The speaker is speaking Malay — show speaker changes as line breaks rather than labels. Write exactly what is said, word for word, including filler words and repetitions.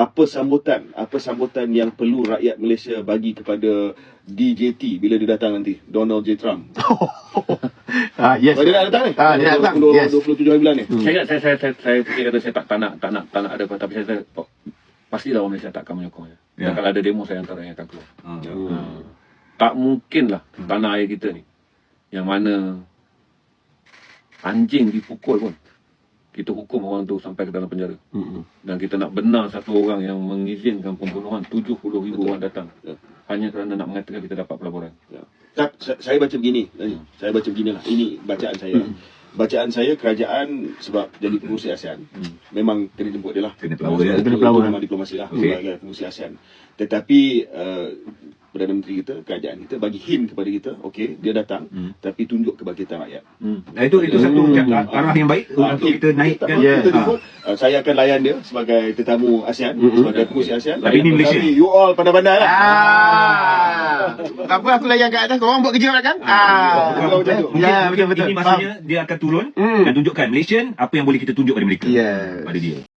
apa sambutan, apa sambutan yang perlu rakyat Malaysia bagi kepada D J T bila dia datang nanti, Donald J. Trump?
Ah, yes.
Oh, dia nak datang ni?
Ah, dia nak datang. Yes.
dua puluh tujuh hari bulan ni.
Hmm. Saya, saya, saya, saya, saya fikir kata saya tak, tak nak, tak nak, tak nak ada apa, tapi saya, saya oh, pastilah orang Malaysia tak akan menyokongnya.
Ya.
Dan kalau ada demo, saya antara yang akan keluar.
Hmm.
Hmm. Tak mungkin lah tanah air kita ni, yang mana anjing dipukul pun, kita hukum orang tu sampai ke dalam penjara.
Hmm.
Dan kita nak benar satu orang yang mengizinkan pembunuhan tujuh puluh ribu orang datang.
Ya.
Hanya kerana nak mengatakan kita dapat pelaburan.
Ya. Tak, saya baca begini, saya baca beginilah. Ini bacaan saya. Bacaan saya, kerajaan sebab jadi pengurusi ASEAN, hmm. memang kena jemput dia lah.
Kena pelabur dia.
Itu,
Kena
itu
pelabur.
memang diplomasi lah,
Okay.
sebagai pengurusi ASEAN. Tetapi uh, Perdana Menteri kita, kerajaan kita bagi hint kepada kita, okey, dia datang,
Hmm.
tapi tunjuk kebajikan rakyat.
Hmm.
Nah, itu itu satu
Hmm.
arah yang baik
Ah,
untuk
okay.
kita naikkan.
Ya.
Kita
Ah.
jemput, uh, saya akan layan dia sebagai tetamu ASEAN,
Hmm.
sebagai pengurusi ASEAN.
Tapi ini Malaysia.
Tapi you all pandai-pandai lah.
Ah. Tak apa, aku layan kat atas, korang buat kerja kan? Ah.
Kalau macam tu.
Ya, betul betul.
Ini maksudnya dia akan turun
Hmm.
dan tunjukkan Malaysian apa yang boleh kita tunjuk pada mereka.
Yes.
Pada dia.